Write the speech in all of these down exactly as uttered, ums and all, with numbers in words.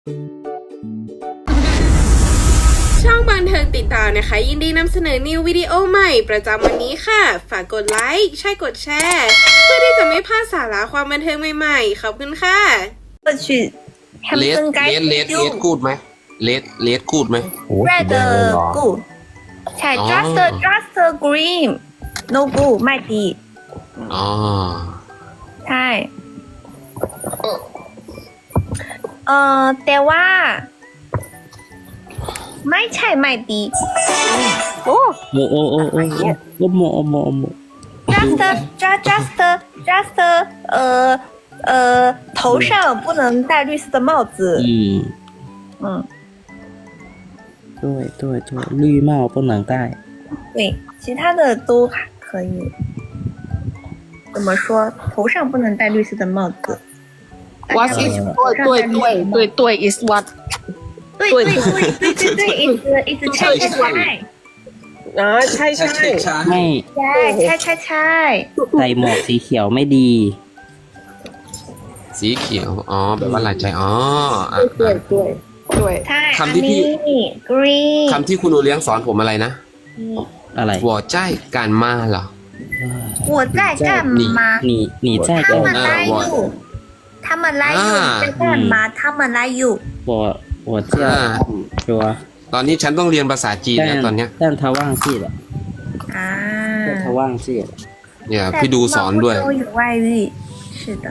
ช่องบันเทิงติดตามนะคะยินดีนำเสนอนิววิดีโอใหม่ประจำวันนี้ค่ะฝากกดไลค์ใช่กดแชร์เพื่อที่จะไม่พลาดสาระความบันเทิงใหม่ๆขอบคุณค่ะ去เลสเลสเลสเลสกูดไหมเลสเลสกูดไหม red good ใช่ just just green no good ไม่ดีอ๋อใช่เอ่อแต่ว่าไม่ใช่ไม่ดีโอ้โอ้โอ้โอ้โอ้โอ้โมโอ้โมโอ้โม just just just just 呃呃头上不能戴绿色的帽子嗯嗯对对对绿帽不能戴对其他的都可以怎么说头上不能戴绿色的帽子 What is 对对对对对 is what 对对对对对对 is is ใช่ใช่ใช่อ่าใช่ใช่ไม่ใช่ใช่ใช่ใช่ใส่หมวกสีเขียวไม่ดีสีเขียวอ๋อแบบว่าลายใจอ๋ออ่ะ对对对ใช่คำที่พี่ green คำที่คุณโอเลี้ยงสอนผมอะไรนะอะไรหัวใจการมาเหรอ我在干嘛你你在他干们来อยู่他们来อยู่在干嘛他们来อยู่我我叫说ตอนนี้ฉันต้องเรียนภาษาจีนแล้วตอนเนี้ย但他忘记了อ่า但他忘记了เนี่ยพี่ดูสอนด้วย都有外遇是的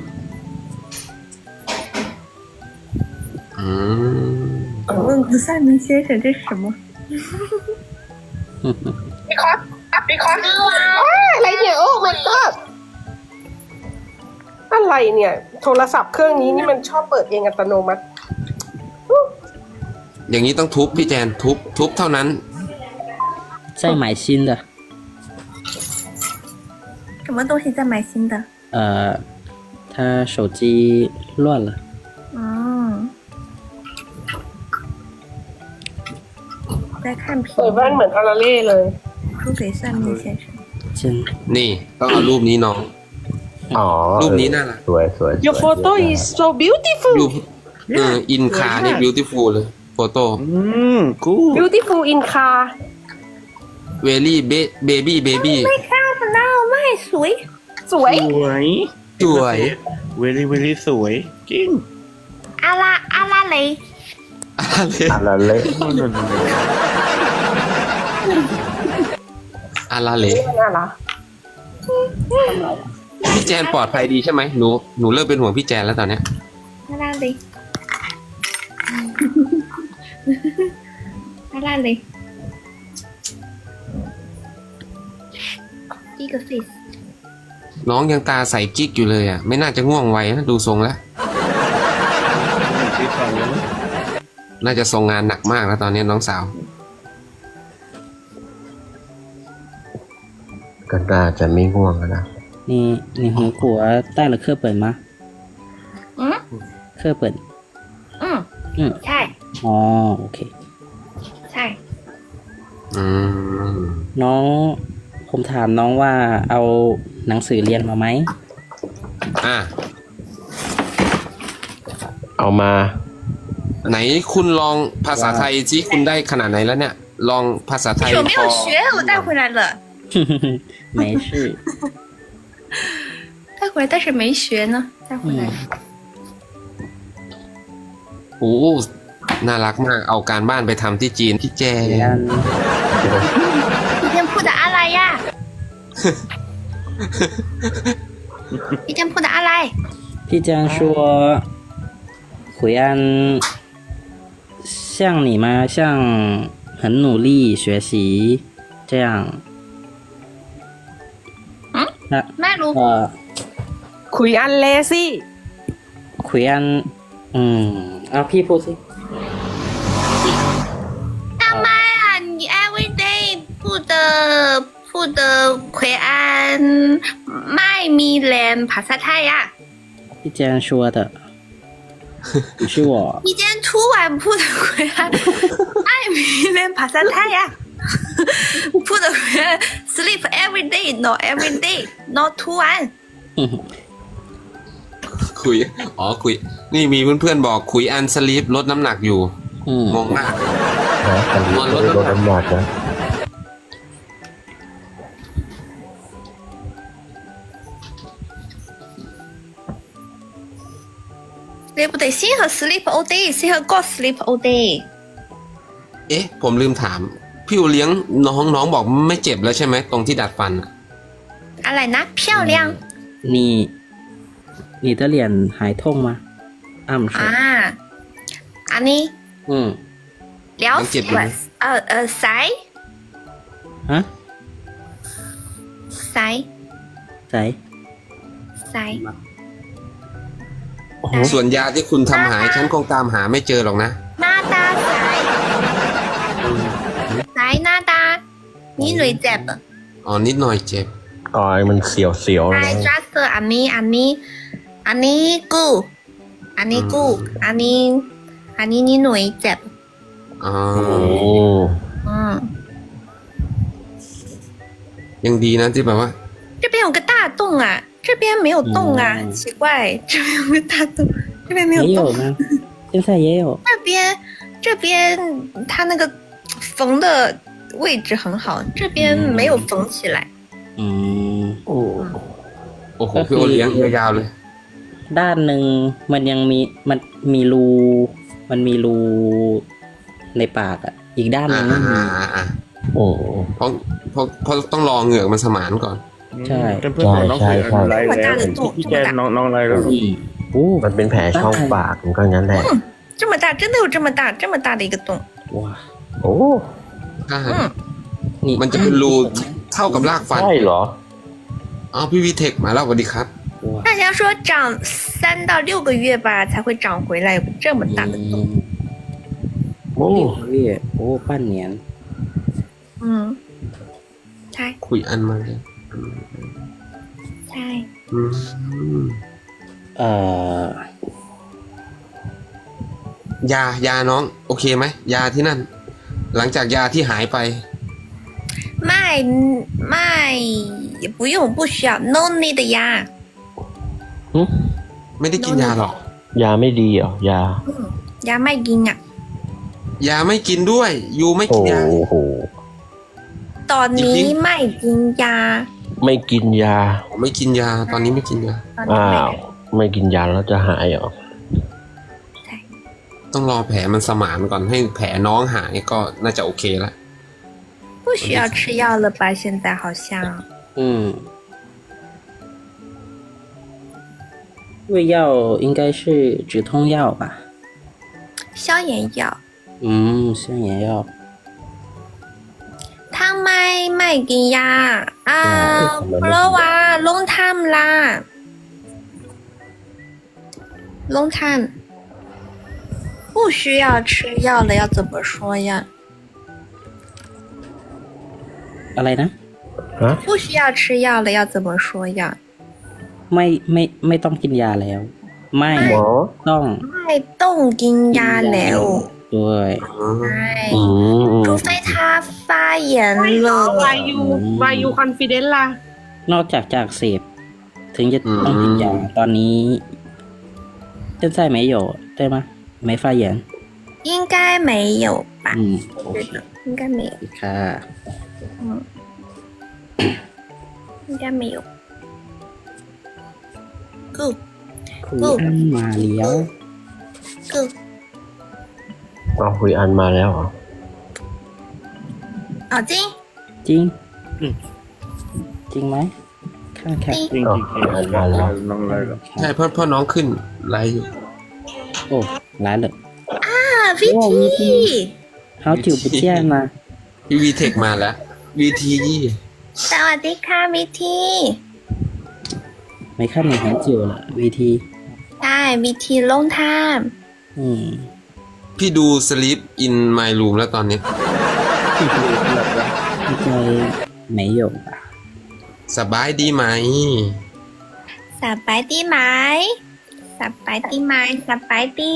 อืม我问不算明先生这是什么พี่คอสพี่คอสอะไรเนี่ยโอ้ my god อะไรเนี่ยโทรศัพท์เครื่องนี้นี่มันชอบเปิดเองอัตโนมัติอย่างนี้ต้องทุบพี่แจนทุบทุบเท่านั้น再买新的什么东西在买新的呃他手机乱了嗯在看屏เปิดแว่นเหมือนอาราเล่เลย输给算命先生真นี่ต้องเอารูปนี้น้องอ๋อรูปนี้น่ารักสวยสวย Your photo is so beautiful รูปเอออินคานี่ beautiful เลยโฟโต้อืมกู beautiful in car เวลี่เบเบบี้เบบี้ไม่ข้ามมันเอาไม่สวยสวยสวยสวยเวลี่เวลี่สวยจริงอาราอาราเลยอะไรอะไรเละอะไรเลยน่ารักพี่แจนปลอดภัยดีใช่ไหมหนูหนูเริ่มเป็นห่วงพี่แจนแล้วตอนเนี้ยอาราเลยอาราเลยอีกฟิสน้องยังตาใสกิ๊กอยู่เลยอ่ะไม่น่าจะง่วงไวนะดูทรงแล้ว น่าจะทรงงานหนักมากแล้วตอนนี้น้องสาวก็น่าจะไม่ง่วงนะ你你红果带了课本吗嗯课本嗯嗯ใช่อ๋อโอเคใช่อืมน้องผมถามน้องว่าเอาหนังสือเรียนมาไหมอ่ะเอามาไหนคุณลองภาษาไทยสิคุณได้ขนาดไหนแล้วเนี่ย ลองภาษาไทย我没有学我带回来了没事带回来但是没学呢带回来โอ้น่ารักมากเอาการบ้านไปทำที่จีนพี่แจน今天铺的阿来呀今天铺的阿来พี่แจง说回安像你吗像很努力学习这样嗯那ไม่รู้呃คุยอันเลซี่回安嗯เอาพี่พูดสิ干嘛呀你 everyday 铺的铺的奎安ไม่มีแรงภาษาไทยอ่ะพี่แจง说的不是我你今天突然铺的奎安ไม่มีแรงภาษาไทยอ่ะ铺的奎安 sleep every day not every day not 突然คุคุย อ๋อคุย นี่มีเพื่อนๆบอกคุยอันสลีปลดน้ำหนักอยู่อืมงงมากนะคันนี้ไม่ได้ลดน้ำหนักนะ对不对？适合 sleep all day，适合 go sleep all day。 เอ๊ะ ผมลืมถาม พี่อูเลี้ยงน้องน้องบอกไม่เจ็บแล้วใช่ไหมตรงที่ดัดฟันอะ阿莱娜漂亮你你的脸还痛吗？暗是。 啊！安妮嗯。 了能解决吗呃呃塞啊？ 塞谁？ 塞， โอ้โหส่วนยาที่คุณทำหายฉันคงตามหาไม่เจอหรอกนะ娜达塞塞娜达，你累จ็บอ๋อนิดหน่อยเจ็บอ๋อมันเสียวเสียวๆไอนะจัสอันนี้อันนี้อันนี้กูอันนี้กูอันนี้อันนี้นี่หน่วยเจ็บอ๋อโอ้อืมยังดีนะที่แบบว่า这边有个大洞啊，这边没有洞啊， 嗯奇怪，这边有个大洞，这边没有洞。 也有吗？现在也有。 这边这边它那个缝的位置很好，这边没有缝起来。 อืมโอ้โอ้โหพี่โอเลี้ยงยาวๆเลยด้านหนึ่งมันยังมีมันมีรูมันมีรูในปากอ่ะ อีกด้านหอ่านึ่งไม่มีอ่าอ่าอ่าโอ้เพราะเพราะเพราะต้องรอเหงือกมันสมานก่อนใช่เพื่อนๆของน้องใช่คุยใช่อะไรแล้วเห็นพี่แกน้องน้องอะไรแล้วอืมโอ้มันเป็นแผลช่องปากมันก็งั้นแหละ这么大，真的有这么大这么大的一个洞。 ว้าโอ้ใช่嗯， นี่มันจะเป็นรูเท่ากับรากฟันใช่เหรออ๋อพี่วีเทคมาแล้วสวัสดีครับว้า大家说长三到六个月吧才会长回来有这么大的อื洞。 มโอ้เรียกโอ้ปั้นเหนียน嗯，ใช่คุยอันมาเลยใช่อืมเอ่อยายาน้อง โอเคไหมยาที่นั่น หลังจากยาที่หายไป卖卖也不用不需要 no need 呀。 ไม่ได้กินยาหรอกยาไม่ดีเหรอยา嗯，ยาไม่กินอ่ะยาไม่กินด้วย ยูไม่โอ้กินยาโหตอนนี้จริงๆไม่กินยาไม่กินยาผมไม่กินยา ตอนนี้ไม่กินยาตอนนี้อ้าไม่ว ไม่กินยาแล้วจะหายเหรอต้องรอแผลมันสมานก่อนให้แผลน้องหายก็น่าจะโอเคละ不需要吃药了吧？现在好像อืม胃药应该是止痛药吧？ 消炎药。 嗯，消炎药。 ทำไมไม่กินยาอ่าเพราะว่า long time 啦 long time 不需要吃药了，要怎么说呀？ อะไรนะฮะ不需要吃药了，要怎么说呀？ ไม่ไม่ไม่ต้องกินยาแล้ว ไม่หมอต้องไม่ต้องกินยาแล้วด้วยใช่อืมอืม除非他发炎เหรอ了วายูวายูคอนฟิเดนซ์ล่ะนอกจากจากเสพถึงจะอืมต้องกินยาตอนนี้现在没有对吗没发炎应该没有吧？ 嗯โอ对เค的，应该没有， ค่ะ应该没有。Good คุณอันมาเลี้ยว good。 เอาคุยอันมาแล้วเหรอ好金จริง จริงไหมข้างแค่金จริงจริงๆน้องอะไรแล้วใช่เพราะเพราะน้องขึ้นไลฟ์อยู่โอ้ร้ายเลย啊，V T， 好久不见啦พี่วีเทคมาแล้ว วีทีสวัสดีค่ะ V T。 没看你很久了 วี ทีใช่ V T long time。 อืมพี่ดู Sleep in My Room แล้วตอนนี้应该没有吧สบายดีไหมสบายดีไหมสบายดีไหมสบายดี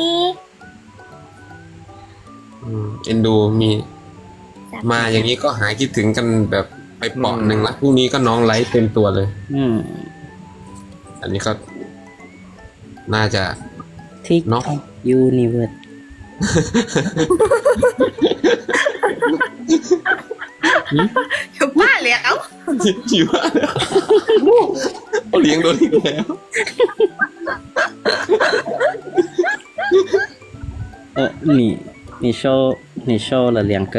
อืมเอ็นดูมี มาอย่างนี้ก็หายคิดถึงกันแบบไปเปาะหนึ่งละพรุ่งนี้ก็น้องไลฟ์เต็มตัวเลยอืมอันนี้ก็น่าจะทิกเนอะยูนิเวิร์ส有罢了。 อยู่ว่าเขาเลี้ยงโดนอีกแล้วเออ你你收你收了两个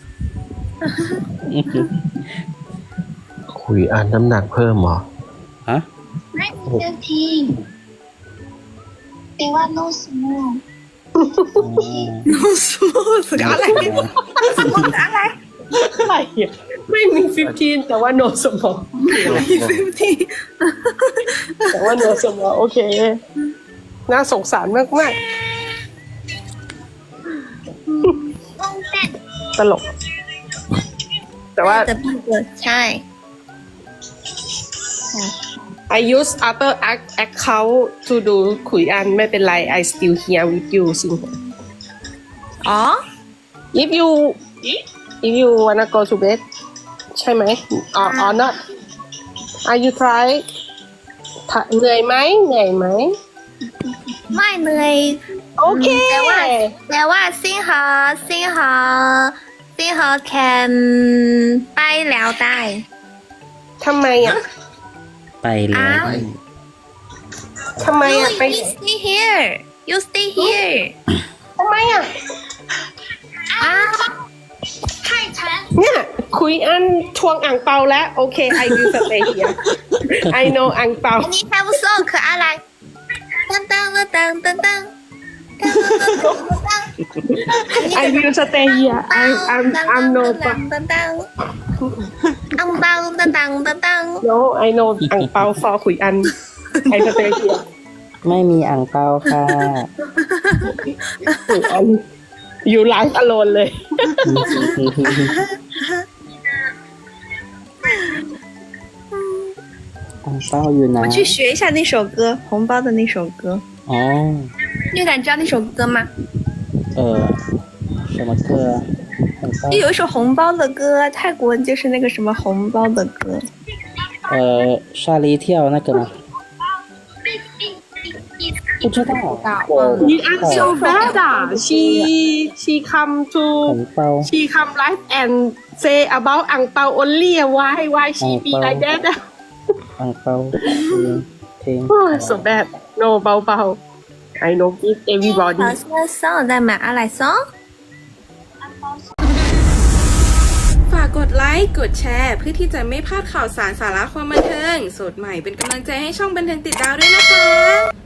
คุยอันน้ำหนักเพิ่มเหรอฮะไม่มีจะทิ้งแต่ว่า no small no smooth อะไร small อะไรอะไรอ่ะไม่มีสิบห้าแต่ว่า no small มีสิบห้าแต่ว่า no small โอเค น่าสงสารมากมากต้องแต่ๆตลก แต่ว่าจะพี่เกิดใช่ I use other ac- account to do คุยอันไม่เป็นไร I still here with you สิอ๋อ if you if you wanna go to bed ใช่ไหม or or not are you try ถ้าเหนื่อยไหมเหนื่อยไหมไม่เหนื่อยโอเคแต่ว่าแต่ว่า幸好幸好幸好 can ไปแล้วได้ทำไมอ่ะไปแล้วอ้าวทำไม you อ่ะไป you stay here you stay here ทำไมอ่ะอ้าวให้ฉันเนี่ยคุยอันทวงอ่างเปาแล้ว โอเค I will stay here I know อ่างเปาอันนี้ have so 可爱来噔噔噔噔噔噔噔噔 I will stay here I I'm I'm no 噔噔噔อังเปา噔噔噔噔 no I know อ่างเปา for คุยอัน I stay here ไม่มีอ่างเปาค่ะคุยอัน you life alone เลยอ่างเปาอยู่ไหน我去学一下那首歌，红包的那首歌。 อ๋อ你敢知道那首歌吗？ เออ什么歌อ่างเปา就有一首红包的歌，泰国就是那个什么红包的歌。 呃ชาลีเที่ยว那个吗不知道我 you are so bad อ่ะ she she come to 红包 she come live and say about อ่างเปา only why why she be like that อ่ะอ่างเปาเพลง Oh, so bad. No, เบาๆ I know it everybody. 好像桑在买阿莱桑。 ฝากกดไลค์ กดแชร์ เพื่อที่จะไม่พลาดข่าวสารสาระความบันเทิง สดใหม่เป็นกำลังใจให้ช่องบันเทิงติดดาวด้วยนะคะ